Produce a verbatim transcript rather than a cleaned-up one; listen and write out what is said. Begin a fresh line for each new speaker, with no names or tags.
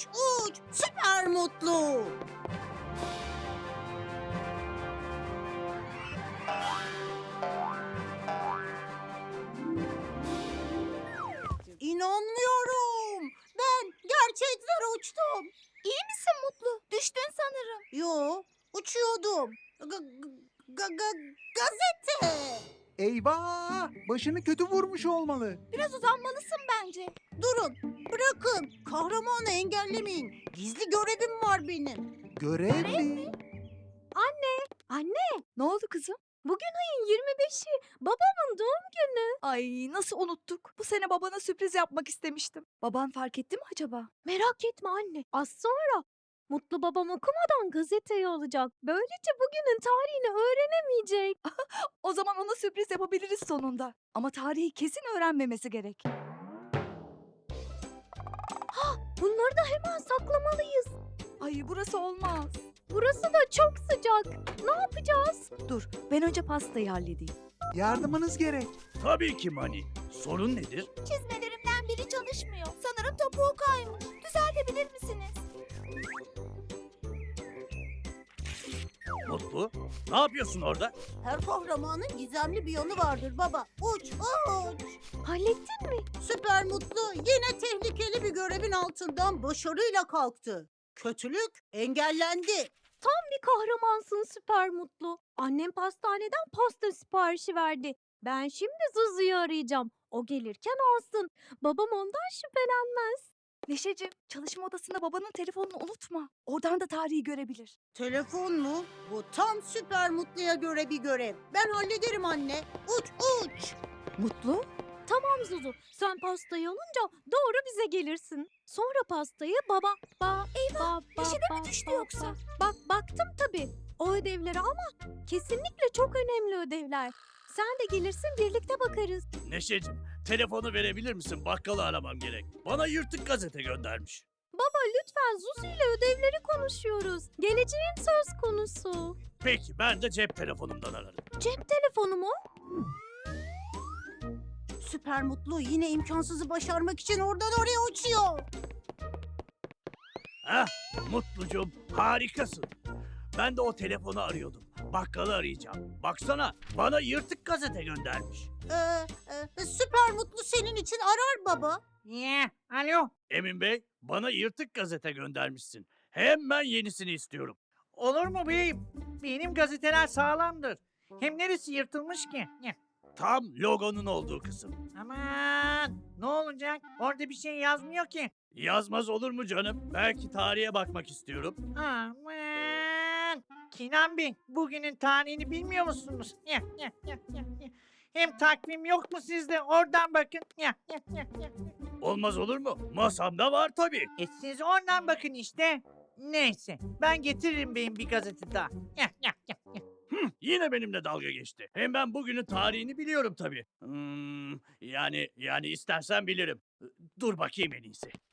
uç uç. Süper mutlu. İnanmıyorum. Ben gerçekten uçtum.
İyi misin Mutlu? Düştün sanırım.
Yo, uçuyordum. Ga- ga- ga- gazete.
Eyvah! Başını kötü vurmuş olmalı.
Biraz uzanmalısın bence.
Durun, bırakın. Kahramanı engellemeyin. Gizli görevim var benim.
Görev mi?
Anne, ne oldu kızım? Bugün ayın yirmi beşi. Babamın doğum günü. Ay nasıl unuttuk? Bu sene babana sürpriz yapmak istemiştim. Baban fark etti mi acaba? Merak etme anne. Az sonra Mutlu babam okumadan gazeteyi alacak. Böylece bugünün tarihini öğrenemeyecek. O zaman ona sürpriz yapabiliriz sonunda. Ama tarihi kesin öğrenmemesi gerek. Ha, bunları da hemen saklamalıyız. Ay burası olmaz. Burası da çok sıcak. Ne yapacağız? Dur, ben önce pastayı halledeyim.
Yardımınız gerek.
Tabii ki Mani. Sorun nedir?
Çizmelerimden biri çalışmıyor. Sanırım topuğu kaymış. Düzeltebilir misiniz?
Mutlu, ne yapıyorsun orada?
Her kahramanın gizemli bir yanı vardır baba. Uç uç.
Hallettin mi?
Süper mutlu yine tehlikeli bir görevin altından başarıyla kalktı. Kötülük engellendi.
Bir kahramansın süper mutlu. Annem pastaneden pasta siparişi verdi. Ben şimdi Zuzu'yu arayacağım. O gelirken alsın. Babam ondan şüphelenmez. Neşeciğim, çalışma odasında babanın telefonunu unutma. Oradan da tarihi görebilir.
Telefon mu? Bu tam süper mutluya göre bir görev. Ben hallederim anne. Uç uç.
Mutlu? Tamam Zuzu. Sen pastayı alınca doğru bize gelirsin. Sonra pastayı baba... Ba, Eyvah!
peşine mi düştü yoksa?
Bak baktım tabii. O ödevleri ama kesinlikle çok önemli ödevler. Sen de gelirsin birlikte bakarız.
Neşeciğim, telefonu verebilir misin? Bakkalı aramam gerek. Bana yırtık gazete göndermiş.
Baba lütfen Zuzu ile ödevleri konuşuyoruz. Geleceğin söz konusu.
Peki, ben de cep telefonumdan ararım.
Cep telefonu mu?
Süper mutlu yine imkansızı başarmak için oradan oraya uçuyor.
Hah, Mutlucuğum, harikasın. Ben de o telefonu arıyordum. Bakkalı arayacağım. Baksana, bana yırtık gazete göndermiş.
Ee, e, süper mutlu senin için arar baba.
Ya, alo.
Emin Bey, bana yırtık gazete göndermişsin. Hemen yenisini istiyorum.
Olur mu beyim? Benim gazeteler sağlamdır. Hem neresi yırtılmış ki? Ya,
Tam logonun olduğu kısım.
aman, ne olacak? Orada bir şey yazmıyor ki.
Yazmaz olur mu canım? Belki tarihe bakmak istiyorum.
Aman. Kinan Bey, bugünün tarihini bilmiyor musunuz? Ya, ya, ya, ya, ya. Hem takvim yok mu sizde? Oradan bakın. Ya, ya, ya, ya.
Olmaz olur mu? Masamda var tabii.
E siz oradan bakın işte. Neyse, ben getiririm beyim bir gazete daha. Ya, ya, ya, ya.
Hı, yine benimle dalga geçti. Hem ben bugünün tarihini biliyorum tabii. Hmm, yani yani istersen bilirim. Dur bakayım en iyisi.